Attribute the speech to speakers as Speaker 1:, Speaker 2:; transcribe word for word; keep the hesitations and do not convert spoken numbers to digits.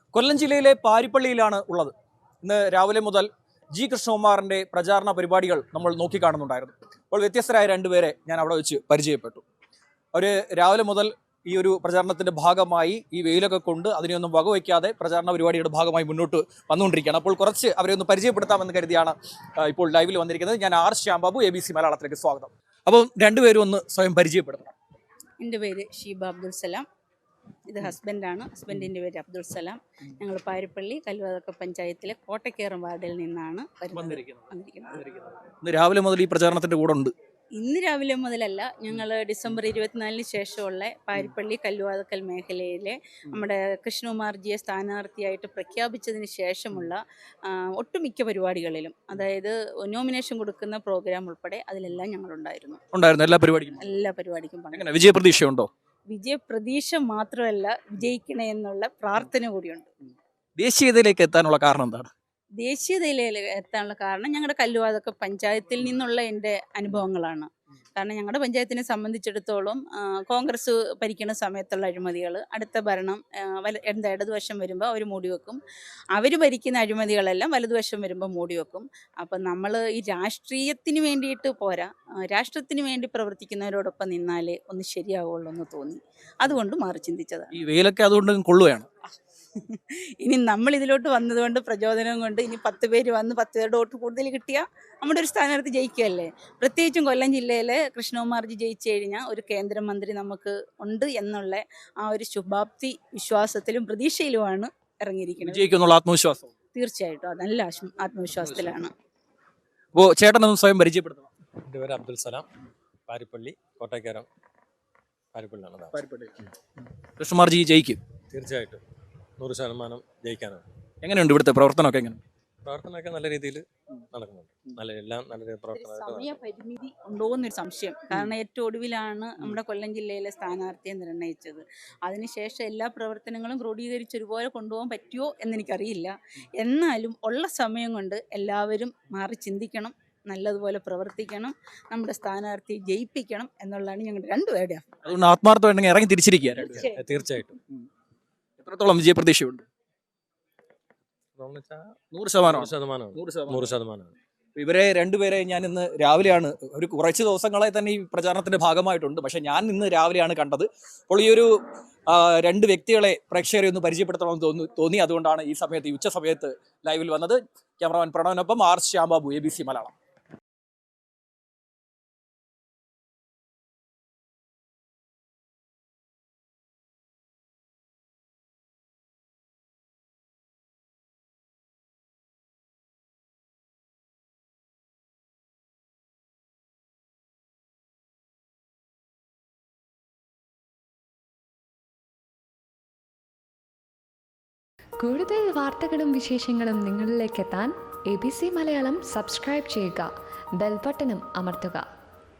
Speaker 1: കൊല്ലം ജില്ലയിലെ പാരിപ്പള്ളിയിലാണ് ഉള്ളത്. ഇന്ന് രാവിലെ മുതൽ ജി കൃഷ്ണകുമാറിന്റെ പ്രചാരണ പരിപാടികൾ നമ്മൾ നോക്കിക്കാണുന്നുണ്ടായിരുന്നു. അപ്പോൾ വ്യത്യസ്തരായ രണ്ടുപേരെ ഞാൻ അവിടെ വെച്ച് പരിചയപ്പെട്ടു. അവർ രാവിലെ മുതൽ ഈ ഒരു പ്രചാരണത്തിന്റെ ഭാഗമായി ഈ വെയിലൊക്കെ കൊണ്ട് അതിനെയൊന്നും വകവയ്ക്കാതെ പ്രചാരണ പരിപാടിയുടെ ഭാഗമായി മുന്നോട്ട് വന്നുകൊണ്ടിരിക്കുകയാണ്. അപ്പോൾ കുറച്ച് അവരെ ഒന്ന് പരിചയപ്പെടുത്താമെന്ന് കരുതിയാണ് ഇപ്പോൾ ലൈവിൽ വന്നിരിക്കുന്നത്. ഞാൻ R Shyambabu, A B C മലയാളത്തിലേക്ക് സ്വാഗതം. അപ്പോൾ രണ്ടുപേരും ഒന്ന് സ്വയം പരിചയപ്പെടുത്തണം.
Speaker 2: എൻ്റെ പേര് ഷീബ അബ്ദുൽ സലാം. ഇത് ഹസ്ബൻഡാണ്. ഹസ്ബൻഡിൻ്റെ പേര് അബ്ദുൽ സലാം. ഞങ്ങൾ പാരിപ്പള്ളി കല്ലുവാതക്ക പഞ്ചായത്തിലെ കോട്ടക്കേറം വാർഡിൽ നിന്നാണ്
Speaker 1: വന്നിരിക്കുന്നത്. രാവിലെ മുതൽ ഈ പ്രചാരണത്തിന്റെ കൂടെ ഉണ്ട്.
Speaker 2: ഇന്ന് രാവിലെ മുതലല്ല, ഞങ്ങൾ ഡിസംബർ ഇരുപത്തിനാലിന് ശേഷമുള്ള പാരിപ്പള്ളി കല്ലുവാതക്കൽ മേഖലയിലെ നമ്മുടെ കൃഷ്ണകുമാർജിയെ സ്ഥാനാർത്ഥിയായിട്ട് പ്രഖ്യാപിച്ചതിന് ശേഷമുള്ള ഒട്ടുമിക്ക പരിപാടികളിലും, അതായത് നോമിനേഷൻ കൊടുക്കുന്ന പ്രോഗ്രാം ഉൾപ്പെടെ അതിലെല്ലാം ഞങ്ങളുണ്ടായിരുന്നു.
Speaker 1: ഉണ്ടായിരുന്നു എല്ലാ പരിപാടിക്കും
Speaker 2: എല്ലാ പരിപാടിക്കും പങ്കെടുത്തു.
Speaker 1: വിജയപ്രതീക്ഷയുണ്ടോ?
Speaker 2: വിജയപ്രതീക്ഷ മാത്രമല്ല, വിജയിക്കണേ എന്നുള്ള പ്രാർത്ഥന കൂടിയുണ്ട്.
Speaker 1: ദേശീയതയിലേക്ക് എത്താനുള്ള കാരണം എന്താണ്?
Speaker 2: ദേശീയതയിൽ എത്താനുള്ള കാരണം ഞങ്ങളുടെ കല്ലുവാതക്ക പഞ്ചായത്തിൽ നിന്നുള്ള എൻ്റെ അനുഭവങ്ങളാണ്. കാരണം ഞങ്ങളുടെ പഞ്ചായത്തിനെ സംബന്ധിച്ചിടത്തോളം കോൺഗ്രസ് ഭരിക്കുന്ന സമയത്തുള്ള അഴിമതികൾ, അടുത്ത ഭരണം എന്താ ഇടതുവശം വരുമ്പോൾ അവർ മൂടിവെക്കും. അവർ ഭരിക്കുന്ന അഴിമതികളെല്ലാം വലതുവശം വരുമ്പോൾ മൂടിവെക്കും. അപ്പം നമ്മൾ ഈ രാഷ്ട്രീയത്തിന് വേണ്ടിയിട്ട് പോരാ, രാഷ്ട്രത്തിന് വേണ്ടി പ്രവർത്തിക്കുന്നവരോടൊപ്പം നിന്നാലേ ഒന്ന് ശരിയാവുള്ളൂ എന്ന് തോന്നി. അതുകൊണ്ട് മാറി ചിന്തിച്ചതാണ്.
Speaker 1: ഈ വെയിലൊക്കെ അതുകൊണ്ട് കൊള്ളുകയാണ്.
Speaker 2: ഇനി നമ്മൾ ഇതിലോട്ട് വന്നതുകൊണ്ട് പ്രചോദനം കൊണ്ട് ഇനി പത്ത് പേര് വന്ന് പത്ത് പേരുടെ വോട്ട് കൂടുതൽ കിട്ടിയാൽ നമ്മുടെ ഒരു സ്ഥാനാർത്ഥി ജയിക്കുകയല്ലേ. പ്രത്യേകിച്ചും കൊല്ലം ജില്ലയിലെ കൃഷ്ണകുമാർജി ജയിച്ചു കഴിഞ്ഞാൽ ഒരു കേന്ദ്രമന്ത്രി നമുക്ക് ഉണ്ട് എന്നുള്ള ആ ഒരു ശുഭാപ്തി വിശ്വാസത്തിലും പ്രതീക്ഷയിലുമാണ് ഇറങ്ങിയിരിക്കുന്നത്.
Speaker 1: ജയിക്കുന്നുള്ള ആത്മവിശ്വാസം
Speaker 2: തീർച്ചയായിട്ടും അത് നല്ല ആത്മവിശ്വാസത്തിലാണ്.
Speaker 1: അപ്പോൾ ചേട്ടനൊന്നും സ്വയം പരിചയപ്പെടുത്തണം.
Speaker 3: എൻ്റെ പേര് അബ്ദുൽ സലാം, പാരിപ്പള്ളി കോട്ടയ്ക്കരം പാരിപ്പള്ളിയാണ്.
Speaker 1: പാരിപ്പള്ളി കൃഷ്ണകുമാർജി ജയിക്കും
Speaker 3: തീർച്ചയായിട്ടും, നൂറ് ശതമാനം ജയിക്കാനാണ്.
Speaker 1: എങ്ങനെയുണ്ട് ഇവിടുത്തെ പ്രവർത്തനമൊക്കെ? എങ്ങനെ
Speaker 3: പ്രവർത്തനമൊക്കെ നല്ല രീതിയിൽ നടക്കുന്നുണ്ട്. നല്ല എല്ലാം നല്ല പ്രവർത്തനമായിട്ട്.
Speaker 2: സമയപരിമിതി ഉണ്ടോ എന്നൊരു സംശയം. കാരണം ഏറ്റവും ഒടുവിലാണ് നമ്മുടെ കൊല്ലം ജില്ലയിലെ സ്ഥാനാർത്ഥിയെ നിർണയിച്ചത്. അതിനുശേഷം എല്ലാ പ്രവർത്തനങ്ങളും ക്രോഡീകരിച്ച് ഒരുപോലെ കൊണ്ടുപോകാൻ പറ്റുമോ എന്നെനിക്കറിയില്ല. എന്നാലും ഉള്ള സമയം കൊണ്ട് എല്ലാവരും മാറി ചിന്തിക്കണം, നല്ലതുപോലെ പ്രവർത്തിക്കണം, നമ്മുടെ സ്ഥാനാർത്ഥി ജയിപ്പിക്കണം എന്നുള്ളതാണ് ഞങ്ങളുടെ രണ്ടുപേരുടെ.
Speaker 1: അതുകൊണ്ട് ആത്മാർത്ഥമായിട്ട് ഇറങ്ങി തിരിച്ചിരിക്കുക.
Speaker 3: തീർച്ചയായിട്ടും.
Speaker 1: എത്രത്തോളം വിജയപ്രതീക്ഷയുണ്ട്?
Speaker 3: നൂറ് ശതമാനം നൂറ് ശതമാനം.
Speaker 1: ഇവരെ രണ്ടുപേരെ ഞാൻ ഇന്ന് രാവിലെയാണ്, ഒരു കുറച്ച് ദിവസങ്ങളായി തന്നെ ഈ പ്രചാരണത്തിന്റെ ഭാഗമായിട്ടുണ്ട്, പക്ഷെ ഞാൻ ഇന്ന് രാവിലെയാണ് കണ്ടത്. അപ്പോൾ ഈ ഒരു രണ്ട് വ്യക്തികളെ പ്രേക്ഷകരെ ഒന്ന് പരിചയപ്പെടുത്തണമെന്ന് തോന്നി തോന്നി അതുകൊണ്ടാണ് ഈ സമയത്ത്, ഈ ഉച്ച സമയത്ത് ലൈവിൽ വന്നത്. ക്യാമറമാൻ പ്രണവനൊപ്പം R Shyambabu, A B C Malayalam.
Speaker 4: കൂടുതൽ വാർത്തകളും വിശേഷങ്ങളും നിങ്ങളിലേക്ക് എത്താൻ A B C Malayalam subscribe ചെയ്യുക, ബെൽ ബട്ടണും അമർത്തുക.